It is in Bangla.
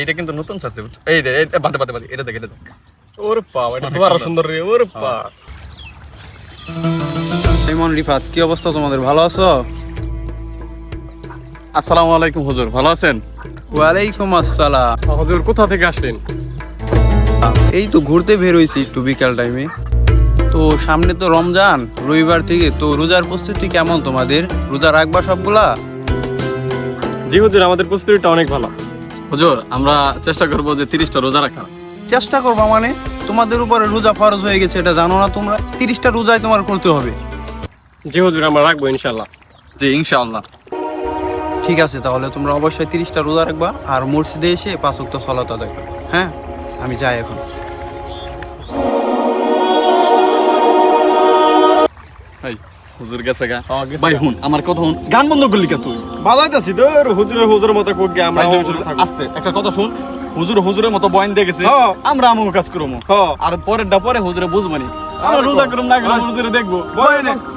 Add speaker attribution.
Speaker 1: এইটা কিন্তু নতুন আছে এই দে বাদে বাদে বাদে এটা দেখ
Speaker 2: ওরে বাবা এটা তো আরো সুন্দর রে ওরে বাস
Speaker 3: ইমন রিফাত কি অবস্থা তোমাদের ভালো আছো?
Speaker 1: আসসালামু আলাইকুম হুজুর ভালো আছেন?
Speaker 3: ওয়ালাইকুম আসসালাম।
Speaker 2: হুজুর কোথা থেকে আসলেন?
Speaker 3: এই তো ঘুরতে বের হইছি একটু বিকাল টাইমে। তো সামনে তো রমজান, রবিবার থেকে তো রোজার প্রস্তুতি কেমন তোমাদের? রোজা রাখবা সবগুলা?
Speaker 2: জি হুজুর আমাদের প্রস্তুতিটা অনেক ভালো।
Speaker 1: হুজুর আমরা চেষ্টা করব যে 30টা রোজা রাখা।
Speaker 3: চেষ্টা করবা মানে? তোমাদের উপরে রোজা ফরজ হয়ে গেছে, এটা জানো না তোমরা? 30টা রোজাই তোমার করতে হবে।
Speaker 2: জি হুজুর আমরা রাখবো ইনশাআল্লাহ।
Speaker 1: জি ইনশাআল্লাহ।
Speaker 3: ঠিক আছে, তাহলে তোমরা অবশ্যই 30টা রোজা রাখবা আর মসজিদে এসে 5 ওয়াক্ত সালাত আদায় করবে। হ্যাঁ, আমি যাই এখন।
Speaker 1: ভাই হুজুর গেছে গা।
Speaker 2: হ্যাঁ, গেছে
Speaker 1: ভাই
Speaker 2: গা।
Speaker 1: হুন আমার কথা হুন, গান বন্ধ করলি কা তুই?
Speaker 2: বাজাইতাছি তো হুজুরের মতো কোক গে আমরা
Speaker 1: আস্তে একটা কথা শুন, হুজুরের মতো বয়ান দিয়ে গেছে,
Speaker 2: হ্যাঁ।
Speaker 1: আমরা আমগো কাজ করবো।
Speaker 2: হ্যাঁ।
Speaker 1: আর পরেরটা পরে হুজুরে বুঝবানি, আমরা রোজা করুম না করুম হুজুরে দেখবো বয়ানে।